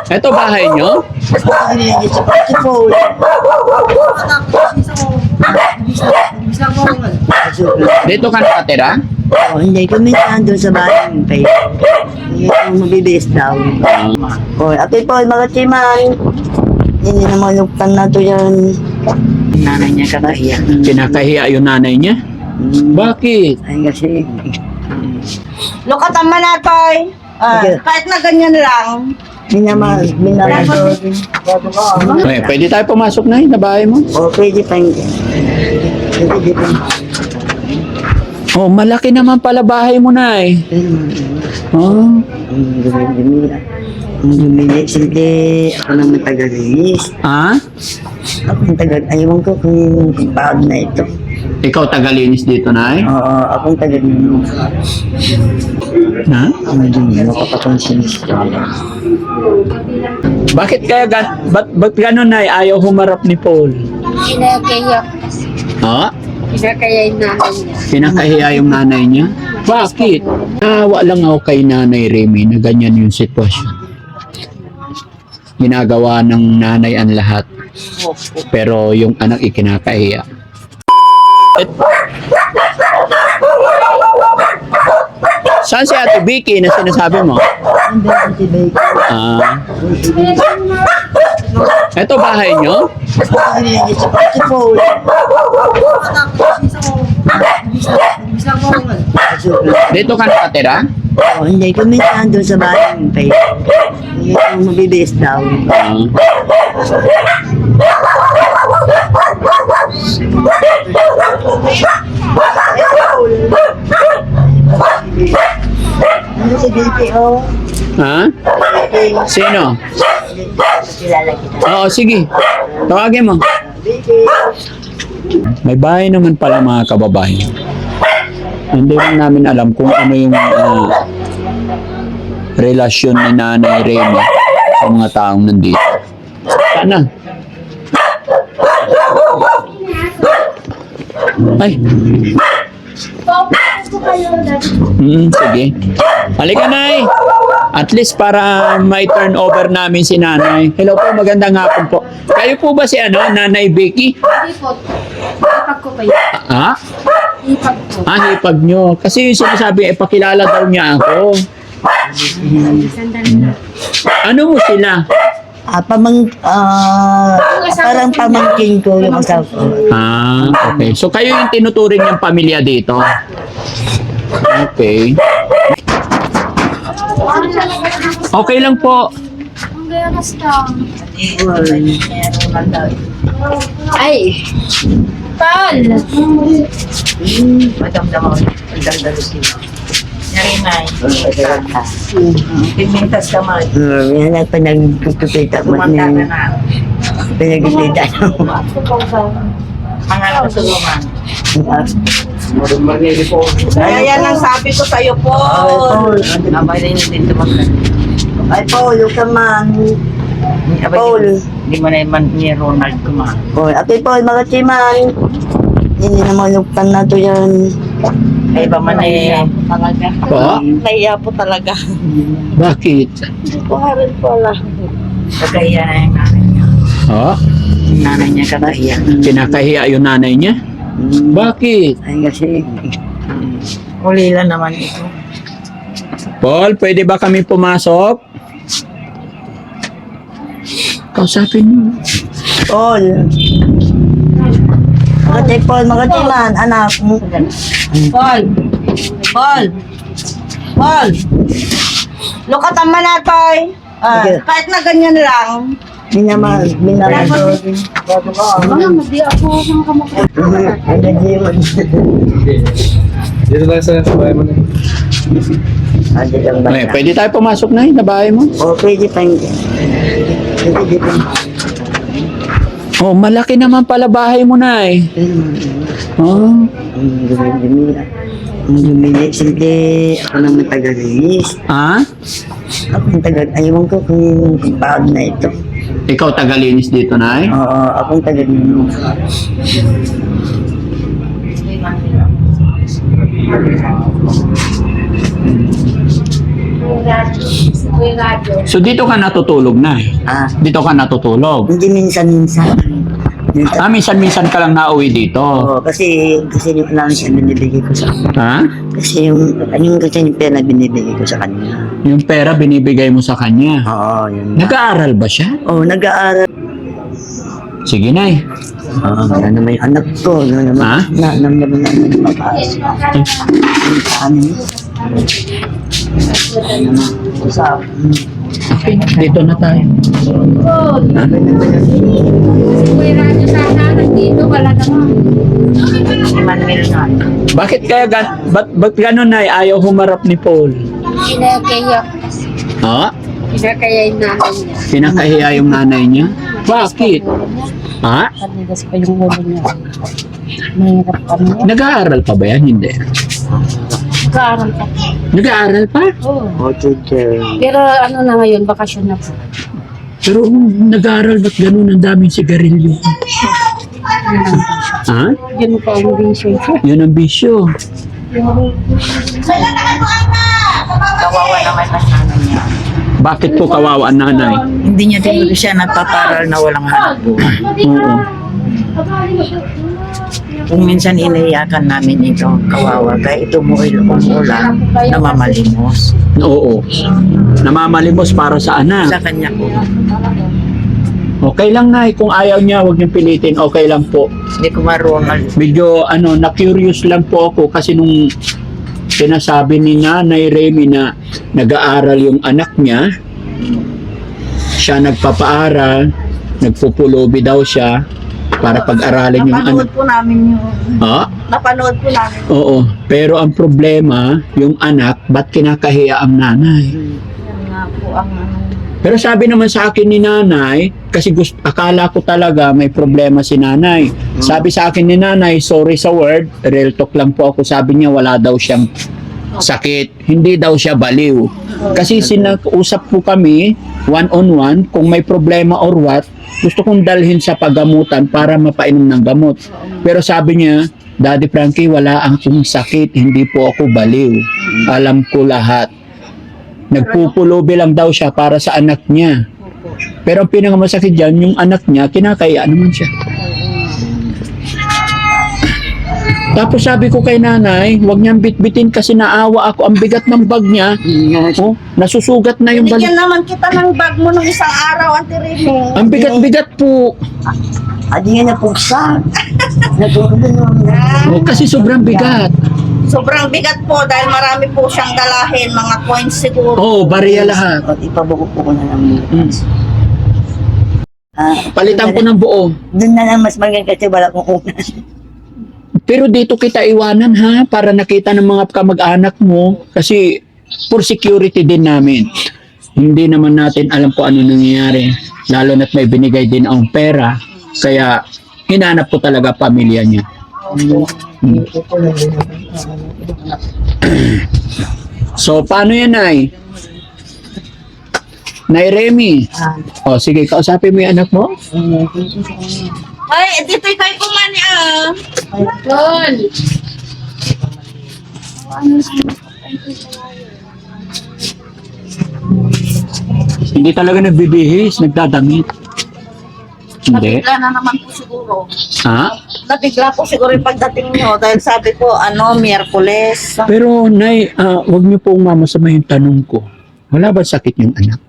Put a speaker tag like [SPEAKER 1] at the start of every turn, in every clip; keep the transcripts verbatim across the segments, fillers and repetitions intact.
[SPEAKER 1] Ito bahay nyo?
[SPEAKER 2] Si Paul.
[SPEAKER 1] Dito ka nakatira?
[SPEAKER 2] Oh, hindi kami nandun sa bahay ng pay. Hindi kami mabibis daw.
[SPEAKER 1] Ah,
[SPEAKER 2] Oh, ate Paul, mga timan. Hindi na maluktan na to yan. Nanay niya kakahiya.
[SPEAKER 1] kinakahiya yung nanay niya? Bakit?
[SPEAKER 2] Ay kasi,
[SPEAKER 3] Lukatan man natoy. Ah,
[SPEAKER 2] Sige.
[SPEAKER 3] kahit na ganyan lang.
[SPEAKER 2] minama, minama to.
[SPEAKER 1] Eh, pwede tayo pumasok na yun na bahay mo?
[SPEAKER 2] Oh, pwede pa hindi. Pwede pa.
[SPEAKER 1] Oh, malaki naman pala bahay mo na eh. Oh,
[SPEAKER 2] Ang dumi-dumi. Ang dumi. Siyempre, ako naman taga-linis.
[SPEAKER 1] ah?
[SPEAKER 2] Ako ang taga, ayaw ko kung pagod na ito.
[SPEAKER 1] Ikaw tagalinis dito na eh?
[SPEAKER 2] Oo, akong taga-linis.
[SPEAKER 1] Ha?
[SPEAKER 2] Ang dumi, makapakonsinis.
[SPEAKER 1] Bakit kaya, ga- ba't, ba't gano'n na ayaw humarap ni Paul?
[SPEAKER 4] Kinakaya kasi.
[SPEAKER 1] Ha?
[SPEAKER 4] Kinakaya yung nanay niya.
[SPEAKER 1] Kinakahiya yung nanay niya? Bakit? Nawa lang ako kay Nanay Remy na ganyan yung sitwasyon. Ginagawa ng nanay ang lahat. Pero yung anak ikinakahiya. Et- Saan si Ate Vicky na sinasabi mo?
[SPEAKER 2] Ang dami si Baker.
[SPEAKER 1] Ah. Ito bahay nyo?
[SPEAKER 2] Si Paul.
[SPEAKER 1] Dito ka nakatira?
[SPEAKER 2] Oh, hindi kami nandun sa bahay ng pay. Hindi kami mabibis daw.
[SPEAKER 1] Ah.
[SPEAKER 2] Ano si Baker, oh?
[SPEAKER 1] Ha? Sino?
[SPEAKER 2] Kilala kita.
[SPEAKER 1] Oo, sige. Tawagin mo. May bahay naman pala mga kababayan. Hindi lang namin alam kung ano yung ah, relasyon ni Nanay Remy sa mga taong nandito. Sana. Ay. Mm, sige. Halika, Nay. At least para may turn over namin si Nanay. Hello po, magandang hapon po. Kayo po ba si ano, Nanay Vicky?
[SPEAKER 4] Hindi po. Ipag ko kayo.
[SPEAKER 1] Ah?
[SPEAKER 4] Ipag ko.
[SPEAKER 1] Ah, hipag nyo. Kasi yung sinasabi, eh, pakilala daw niya ako.
[SPEAKER 4] Sandali na.
[SPEAKER 1] Ano mo sila?
[SPEAKER 2] Ah, pamang, ah, parang pamangkin ko yung asawa ko.
[SPEAKER 1] Ah, okay. So kayo yung tinuturing niyang pamilya dito? Okay. Okay lang po.
[SPEAKER 4] Ang ganas lang.
[SPEAKER 3] Ay,
[SPEAKER 4] Tal!
[SPEAKER 2] Madamdam ako. Magdaldalos din ako.
[SPEAKER 3] narinay.
[SPEAKER 2] Pimintas ka man. Yan ang pinagpipita mo.
[SPEAKER 3] Kumanta ka na.
[SPEAKER 2] Pinagpipita mo.
[SPEAKER 3] Mga kasulungan. Kaya yan ang sabi ko sa'yo po.
[SPEAKER 2] Abay na yun din tumagal. Ay, Paul, yung kaman. Paul.
[SPEAKER 3] Hindi mo na naman ni Ronald kumain.
[SPEAKER 2] Paul, ate Paul, mga timan. Hindi na maluktan na to yan.
[SPEAKER 3] Ay ba man eh.
[SPEAKER 4] Talaga.
[SPEAKER 1] Po?
[SPEAKER 3] Naiya po talaga.
[SPEAKER 1] Bakit?
[SPEAKER 3] Buharin po lang. Kagaya na yung nanay niya.
[SPEAKER 1] Oh?
[SPEAKER 2] Yung nanay niya kakahiya.
[SPEAKER 1] Kinakahiya yung nanay niya? Bakit?
[SPEAKER 2] Ay, kasi,
[SPEAKER 3] Uli lang naman ito.
[SPEAKER 1] Paul, pwede ba kami pumasok? Kausapin mo.
[SPEAKER 2] Paul. Mga te, Paul, mga timan, anak.
[SPEAKER 3] Paul! Paul! Paul! Lukatan man natoy. Ah,
[SPEAKER 2] Sige.
[SPEAKER 3] kahit na ganyan lang.
[SPEAKER 2] Minama, minama to.
[SPEAKER 4] Mama, hindi ako ng kamukha.
[SPEAKER 2] Ay, nag-iwan.
[SPEAKER 5] Dito lang sa bahay mo na.
[SPEAKER 2] Adi lang ba?
[SPEAKER 1] Eh, pwede tayo pumasok na yun na bahay mo?
[SPEAKER 2] O, pwede pa hindi. Pwede pa.
[SPEAKER 1] Oh, malaki naman pala bahay mo na eh. Oh.
[SPEAKER 2] Ang dumi-dumi. Ang dumi. Siyempre, ako naman taga-linis.
[SPEAKER 1] Ah?
[SPEAKER 2] Ako ang taga, ayaw ko kung pagod na ito.
[SPEAKER 1] Ikaw tagalinis dito na eh?
[SPEAKER 2] Oo, akong taga-linis.
[SPEAKER 1] So dito ka natutulog na.
[SPEAKER 2] Ah,
[SPEAKER 1] Dito ka natutulog.
[SPEAKER 2] hindi minsan-minsan. Minsan-
[SPEAKER 1] Ah, minsan-minsan ka lang nauwi dito.
[SPEAKER 2] Oo, kasi, kasi yung lang siya binibigay ko sa kanya.
[SPEAKER 1] Ha?
[SPEAKER 2] Kasi yung, yung kasi yung pera binibigay ko sa kanya.
[SPEAKER 1] Yung pera binibigay mo sa kanya.
[SPEAKER 2] Oo, yun.
[SPEAKER 1] Nag-aaral ba siya?
[SPEAKER 2] Oo, nag-aaral.
[SPEAKER 1] Sige, Nay.
[SPEAKER 2] Oo, yan naman yung anak ko. Yan naman.
[SPEAKER 1] Ha?
[SPEAKER 2] Na, nam naman naman yung babae. Yung saan yun? Yan naman. Sa,
[SPEAKER 1] Okay, dito na tayo.
[SPEAKER 4] May radyo sana nandito, wala naman.
[SPEAKER 2] si Manuel na.
[SPEAKER 1] Bakit kaya gan ba't, ba't ganun, Nay? Ayaw humarap ni Paul?
[SPEAKER 4] Kinakaya,
[SPEAKER 1] Ha?
[SPEAKER 4] kinakaya yung nanay niya.
[SPEAKER 1] Kinakahiya yung nanay niya? Bakit? Ha?
[SPEAKER 3] Kanigas pa yung ulo niya. Mahirap pa niya.
[SPEAKER 1] Nag-aaral pa ba yan? Hindi.
[SPEAKER 3] Nag-aaral pa.
[SPEAKER 1] Nag-aaral pa?
[SPEAKER 3] Oo.
[SPEAKER 2] Oh, teacher.
[SPEAKER 3] Pero ano na ngayon, bakasyon na po.
[SPEAKER 1] Pero um, nag-aaral ba't ganun ang daming sigarilyo? Ha?
[SPEAKER 3] Yun pa ang vision ko.
[SPEAKER 1] Yun ang bisyo.
[SPEAKER 2] Kawawa naman ang nanay niya.
[SPEAKER 1] Bakit po kawawa ang nanay?
[SPEAKER 2] Hindi niya din siya nagpaparal na walang hanap buhay.
[SPEAKER 1] Oo.
[SPEAKER 2] Kung minsan iniyakan namin ito, kawawa, kaya ito mo umulan, namamalimos.
[SPEAKER 1] Oo. Namamalimos para sa
[SPEAKER 2] Sa
[SPEAKER 1] anak.
[SPEAKER 2] kanya po.
[SPEAKER 1] Okay lang, Nay. Kung ayaw niya, huwag niyong pilitin. Okay lang po.
[SPEAKER 2] Hindi ko marunong.
[SPEAKER 1] Medyo, ano, na-curious lang po ako kasi nung sinasabi ni Nanay Remy na nag-aaral yung anak niya, siya nagpapaaral, nagpupulobi daw siya para pag-aralin yung anak.
[SPEAKER 2] Napanood po namin yung...
[SPEAKER 1] Ha?
[SPEAKER 2] Napanood po namin.
[SPEAKER 1] Oo. Pero ang problema, yung anak, ba't kinakahiya ang nanay?
[SPEAKER 2] Yan nga po ang ano.
[SPEAKER 1] Pero sabi naman sa akin ni nanay, kasi gusto, akala ko talaga may problema si nanay. Sabi sa akin ni nanay, sorry sa word, real talk lang po ako, sabi niya wala daw siyang sakit, hindi daw siya baliw. Kasi sinag-usap po kami, one on one, kung may problema or what, gusto kong dalhin sa paggamutan para mapainom ng gamot. Pero sabi niya, Daddy Frankie, wala akong sakit, hindi po ako baliw. Alam ko lahat. Nagpupulobi lang daw siya para sa anak niya. Pero ang pinakamasakit dyan, yung anak niya, kinakaya naman siya. Tapos sabi ko kay nanay, huwag niyang bitbitin kasi naawa ako. Ang bigat ng bag niya. Oh, nasusugat na yung balik.
[SPEAKER 2] Bigyan naman kita ng bag mo ng isang araw, Ate Remy.
[SPEAKER 1] Ang bigat-bigat po.
[SPEAKER 2] Adi nga na pugsa. Nagugulong na.
[SPEAKER 1] Oh, kasi sobrang bigat.
[SPEAKER 2] Sobrang bigat po dahil marami po siyang dalahin, mga coins siguro.
[SPEAKER 1] Oo, bariya lahat.
[SPEAKER 2] At ipabuko po ko na lang.
[SPEAKER 1] Mm.
[SPEAKER 2] Ah,
[SPEAKER 1] Palitan ko ng buo.
[SPEAKER 2] Doon na lang mas maganda kasi wala kong unan.
[SPEAKER 1] Pero dito kita iwanan ha, para nakita ng mga kamag-anak mo. Kasi for security din namin. Hindi naman natin alam kung ano nangyayari. Lalo na't may binigay din ang pera. Kaya hinanap ko talaga pamilya niya. Hmm. So, paano yan, Nay? Nay Remy. O, sige, kausapin mo yung anak mo.
[SPEAKER 2] Ay, dito kayo kumani ah.
[SPEAKER 4] Tol!
[SPEAKER 1] Hindi talaga nagbibihis, nagdadamit. Hindi.
[SPEAKER 2] Nabigla na naman po siguro.
[SPEAKER 1] Ha?
[SPEAKER 2] Nabigla po siguro yung pagdating nyo dahil sabi ko, ano, Miyerkules.
[SPEAKER 1] Pero, Nay, ah, wag niyo pong mamasama yung tanong ko. Wala ba sakit yung anak?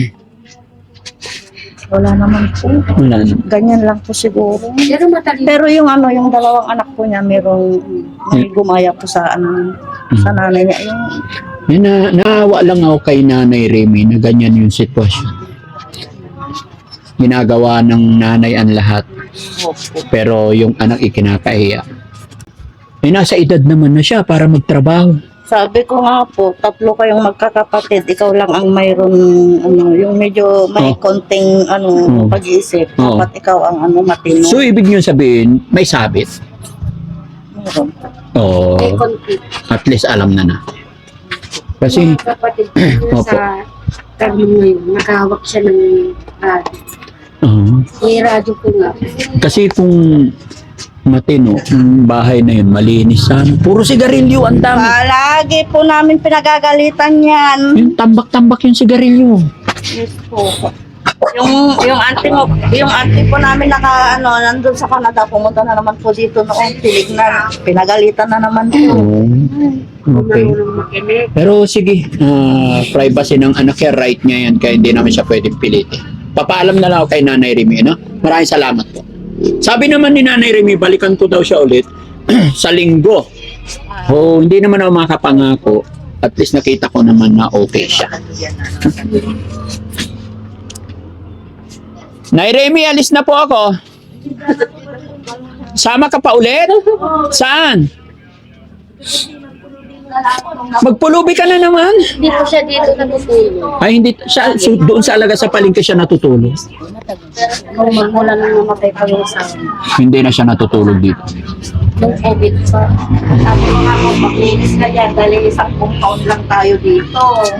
[SPEAKER 3] Wala naman po.
[SPEAKER 1] Wala na.
[SPEAKER 3] Ganyan lang po siguro.
[SPEAKER 4] Pero matalino.
[SPEAKER 3] Pero yung ano, yung dalawang anak po niya, merong may gumaya po sa ano, sa nanay niya. Yung
[SPEAKER 1] Yan na, naawa lang ako kay Nanay Remy na ganyan yung sitwasyon. Ginagawa ng nanay ang lahat. Pero yung anak ikinakahiya. Eh, nasa edad naman na siya para magtrabaho.
[SPEAKER 3] sabi ko nga po, tatlo kayong magkakapatid, ikaw lang ang mayroon, ano, yung medyo may
[SPEAKER 1] Oh.
[SPEAKER 3] konting, ano,
[SPEAKER 1] Oh.
[SPEAKER 3] pag-iisip.
[SPEAKER 1] Oh.
[SPEAKER 3] Dapat ikaw ang, ano, matino.
[SPEAKER 1] So, ibig niyo sabihin, may sabit.
[SPEAKER 3] Meron.
[SPEAKER 1] Oo.
[SPEAKER 4] May conflict.
[SPEAKER 1] At least alam na na. Kasi,
[SPEAKER 4] Mga kapatid ko yun
[SPEAKER 1] Opo.
[SPEAKER 4] sa termo ngayon, nakahawak siya ng radyo.
[SPEAKER 1] oo.
[SPEAKER 4] May radyo ko nga.
[SPEAKER 1] Kasi kung Matino. Yung bahay na yun, malinis sana. Puro sigarilyo, ang dami.
[SPEAKER 3] Palagi po namin pinagagalitan yan.
[SPEAKER 1] Yung tambak-tambak yung sigarilyo.
[SPEAKER 3] Yes po. Yung yung auntie mo, yung auntie po namin naka ano nandun sa Canada, pumunta na naman po dito noong tinignan. Pinagalitan na naman po.
[SPEAKER 1] Oh, okay. Pero sige, ah, privacy ng anak niya, right niya yan, kaya hindi namin siya pwedeng pilitin. Papaalam na lang ako kay Nanay Remy, no? Maraming salamat po. Sabi naman ni Nanay Remy, balikan ko daw siya ulit sa linggo. Oh, hindi naman ako makapangako. At least nakita ko naman na okay siya. Nay Remy, alis na po ako. Sama ka pa ulit? Saan? Magpulubi ka na naman.
[SPEAKER 4] Hindi po siya dito natutulog.
[SPEAKER 1] Ay, hindi. Siya, so, doon sa alaga sa palengke siya natutulog.
[SPEAKER 4] Nung magmula nang namatay pa yung asawa.
[SPEAKER 1] Hindi na siya natutulog dito.
[SPEAKER 4] Nung COVID pa.
[SPEAKER 3] Sabi ko nga po, maglinis ka yan dahil isang compound lang tayo dito.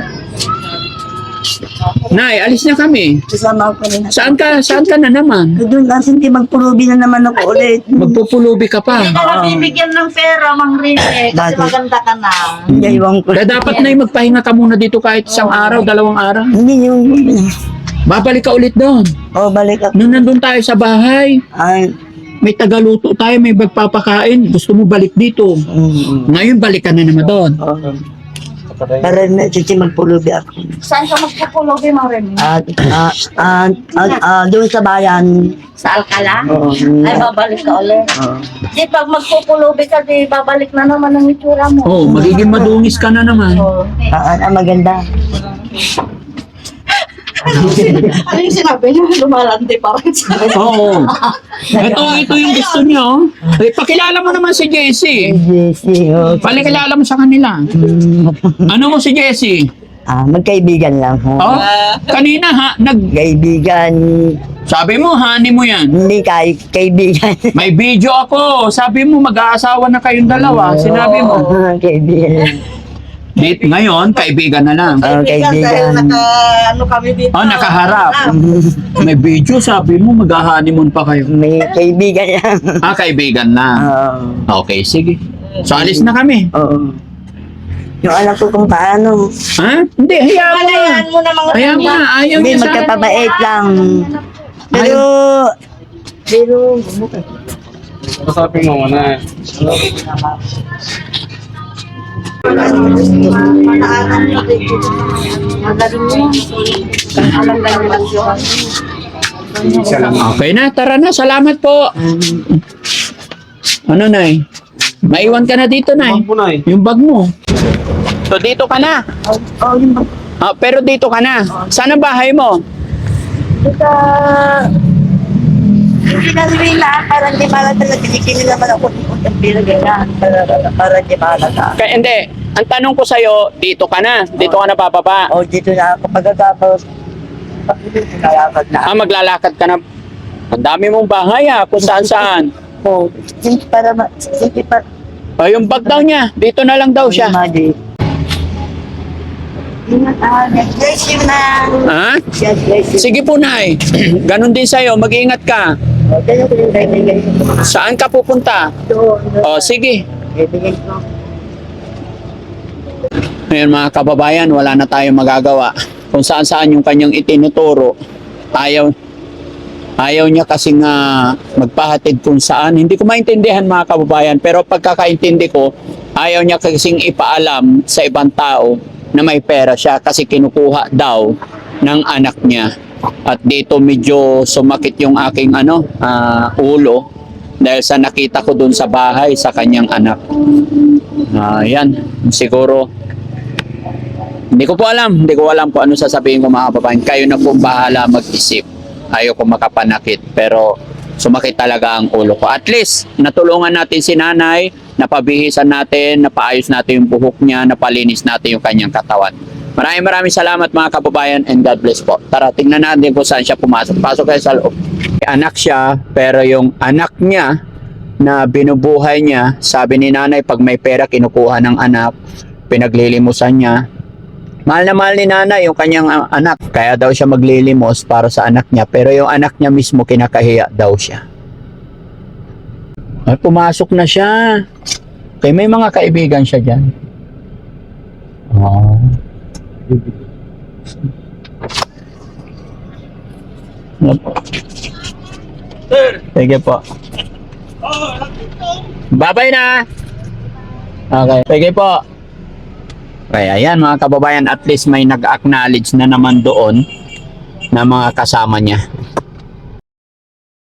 [SPEAKER 1] Nay, alis na kami.
[SPEAKER 2] Kasama ko rin.
[SPEAKER 1] Saan ka? Saan ka na naman?
[SPEAKER 2] Doon kasi hindi magpulubi na naman ako ulit.
[SPEAKER 1] Magpupulubi ka pa.
[SPEAKER 3] Hindi ka na bibigyan ng pera, Mang Rene, kasi
[SPEAKER 2] Bakit?
[SPEAKER 3] maganda ka na.
[SPEAKER 2] Hindi, iwan ko.
[SPEAKER 1] Kaya dapat na magpahinga ka muna dito kahit isang araw, dalawang araw.
[SPEAKER 2] Hindi yung...
[SPEAKER 1] Babalik ka ulit doon.
[SPEAKER 2] Oh, balik ako.
[SPEAKER 1] Nung nandun tayo sa bahay,
[SPEAKER 2] Ay,
[SPEAKER 1] may tagaluto tayo, may magpapakain. Gusto mo balik dito.
[SPEAKER 2] mm,
[SPEAKER 1] Ngayon, balik ka na naman doon.
[SPEAKER 2] oh. Para na kasi magpulubi ako.
[SPEAKER 3] Saan ka magpupulobi, Mang Rene?
[SPEAKER 2] At, ah, ah, ah, ah, doon sa bayan.
[SPEAKER 3] Sa Alcala?
[SPEAKER 2] Oo.
[SPEAKER 3] Ay, babalik ka ulit.
[SPEAKER 2] Oo.
[SPEAKER 3] Di pag magpupulobi ka, di babalik na naman ang itsura mo.
[SPEAKER 1] Oh, magiging madungis ka na naman.
[SPEAKER 3] Oh.
[SPEAKER 2] Ah, ah, maganda.
[SPEAKER 3] Ano yung sinabi niyo? Lumalandi pa rin sa
[SPEAKER 1] Oo. Ito, ito yung gusto niyo. Eh, pakilala mo naman si Jessie.
[SPEAKER 2] Jessie, oh.
[SPEAKER 1] Pakilala mo sa kanila.
[SPEAKER 2] Mm,
[SPEAKER 1] Ano mo si Jessie?
[SPEAKER 2] ah, magkaibigan lang. Ha?
[SPEAKER 1] Oh, kanina ha, nag
[SPEAKER 2] Kaibigan,
[SPEAKER 1] sabi mo honey mo yan.
[SPEAKER 2] hindi kay kaibigan.
[SPEAKER 1] May video ako. Sabi mo mag-aasawa na kayong dalawa. Sinabi mo.
[SPEAKER 2] Ah, kaibigan.
[SPEAKER 1] Date ngayon, kaibigan na lang.
[SPEAKER 2] Ah,
[SPEAKER 3] dahil
[SPEAKER 2] kaibigan.
[SPEAKER 3] naka, ano kami dito.
[SPEAKER 1] Oh, nakaharap. May video, sabi mo mag-honeymoon pa kayo.
[SPEAKER 2] May kaibigan lang.
[SPEAKER 1] Ah, kaibigan na.
[SPEAKER 2] Oo.
[SPEAKER 1] Okay, sige. So, alis na kami.
[SPEAKER 2] Oo. Yung anak ko kung paano.
[SPEAKER 1] Ha? Hindi, hayaan mo.
[SPEAKER 3] Alayaan mo na mga
[SPEAKER 1] Hayaan mo na. Ayaw
[SPEAKER 2] Hindi,
[SPEAKER 1] niya sa...
[SPEAKER 2] magkapabait lang. Pero, pero,
[SPEAKER 5] Kasapin mo muna.
[SPEAKER 3] Magaling mo. Alam na naman yun.
[SPEAKER 5] Isa lang.
[SPEAKER 1] Okay na, tara na. Salamat po. Ano, Nay? Maiwan ka na dito, Nay.
[SPEAKER 5] Ang punay.
[SPEAKER 1] Yung bag mo. So, dito ka na.
[SPEAKER 2] oh, yung bag-
[SPEAKER 1] Ah, pero dito ka na. Saan ang bahay mo?
[SPEAKER 2] Ito, hindi na rin na, parang di pala talaga, kinikili naman ako ng pila ganyan, para, para di pala ka.
[SPEAKER 1] Kaya, hindi. Ang tanong ko sa'yo, dito ka na. Dito ka na bababa.
[SPEAKER 2] O, dito na ako pagkatapos, nalakad na.
[SPEAKER 1] Ah, maglalakad ka na. Ang dami mong bahay ah, kung saan saan.
[SPEAKER 2] O, hindi para, ma- hindi pa,
[SPEAKER 1] Oh, yung bag daw niya, dito na lang daw siya.
[SPEAKER 2] Madi. Ah, God bless you na.
[SPEAKER 1] Ha?
[SPEAKER 2] God bless you.
[SPEAKER 1] Sige po, Nay. Ganon din sa'yo, mag-iingat ka.
[SPEAKER 2] O, ganyan ko yung kaibigan ko.
[SPEAKER 1] Saan ka pupunta?
[SPEAKER 2] Doon,
[SPEAKER 1] Oh, sige.
[SPEAKER 2] kaibigan ko.
[SPEAKER 1] Ngayon mga kababayan, wala na tayong magagawa. Kung saan saan yung kanyang itinuturo, ayaw, ayaw niya kasi nga magpahatid kung saan. Hindi ko maintindihan mga kababayan, pero pagkakaintindi ko, ayaw niya kasing ipaalam sa ibang tao na may pera siya kasi kinukuha daw ng anak niya. At dito medyo sumakit yung aking ano, ah, ulo dahil sa nakita ko dun sa bahay sa kanyang anak. Ayan, siguro hindi ko po alam, hindi ko alam kung ano sasabihin ko mga kababayan. Kayo na po bahala mag-isip. Ayaw ko makapanakit, pero sumakit talaga ang ulo ko. At least, natulungan natin si nanay, napabihisan natin, napaayos natin yung buhok niya, napalinis natin yung kanyang katawan. Maraming maraming salamat mga kababayan and God bless po. Tara, tingnan natin kung saan siya pumasok. Pasok kayo sa loob. Anak siya, pero yung anak niya na binubuhay niya, sabi ni nanay, pag may pera, kinukuha ng anak, pinaglilimusan niya. Mahal na mahal ni nanay yung kanyang uh, anak. Kaya daw siya maglilimos para sa anak niya. Pero yung anak niya mismo kinakahiya daw siya. Ay, pumasok na siya. Kaya may mga kaibigan siya dyan. Oh. Sige po. Bye-bye na. Okay. Sige po. Okay, ayan mga kababayan, at least may nag-acknowledge na naman doon na mga kasama niya.